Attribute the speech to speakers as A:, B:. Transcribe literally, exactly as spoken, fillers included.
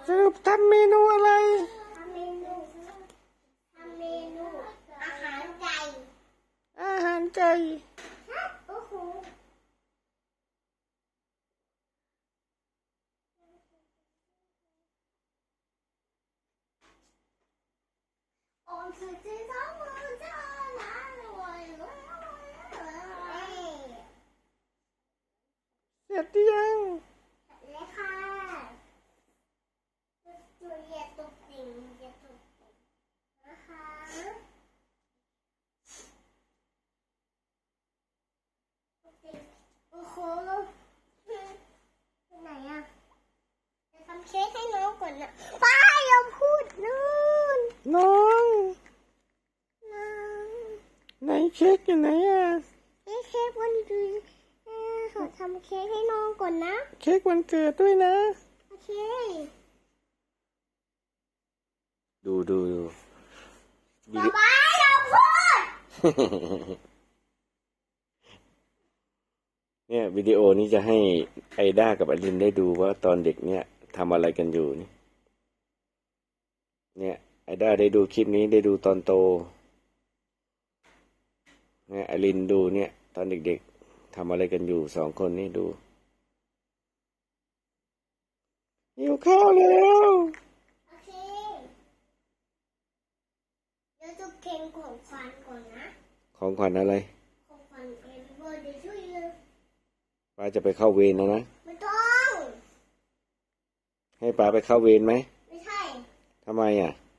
A: สรุปทำเมนูอะไร
B: ทำเมนูทำเมนูอาหารไก่
A: อาหารไก่
B: โอ้โหโอ้สุดที่สองมือเจ้าหลานรวยรวยรวยรวย
A: เสร็จหรือยัง
B: เลยค่ะจุดเย็นตุกติ่งเย็นตุกติ่งนะคะตุกติ่งโอ้โหไหนอ่ะจะทำเค้กให้น้องก่อนนะป้าอย่าพูดนู่น
A: น้อง
B: น้อง
A: ไหนเค้กอยู่ไหนอ่ะ
B: นี่เค้กวันเกิดเออขอทำเค้กให้น้องก่อนนะ
A: เค้กวันเกิดด้วยนะ
B: โอเค
A: ดูดูดู
B: ป๊าป๊าอย่าพูด
A: เนี่ยวิดีโอนี้จะให้ไอด้ากับอลินได้ดูว่าตอนเด็กเนี่ยทำอะไรกันอยู่นี่เนี่ยไอด้าได้ดูคลิปนี้ได้ดูตอนโตเนี่ยอลินดูเนี่ยตอนเด็กๆทำอะไรกันอยู่สองคนนี่ดูหิวข้าวแล้ว
B: โอเคเดี๋ยวจะเก่งของขวัญก่อนนะ
A: ของขวัญอะไร
B: ของขวัญเอ็มเบอร์เดย์ช่วยเลย
A: ป้าจะไปเข้าเวรนะนะ
B: ไม่ต้อง
A: ให้ป้าไปเข้าเวรไหม
B: ไม่ใช่
A: ทำไมอ่ะ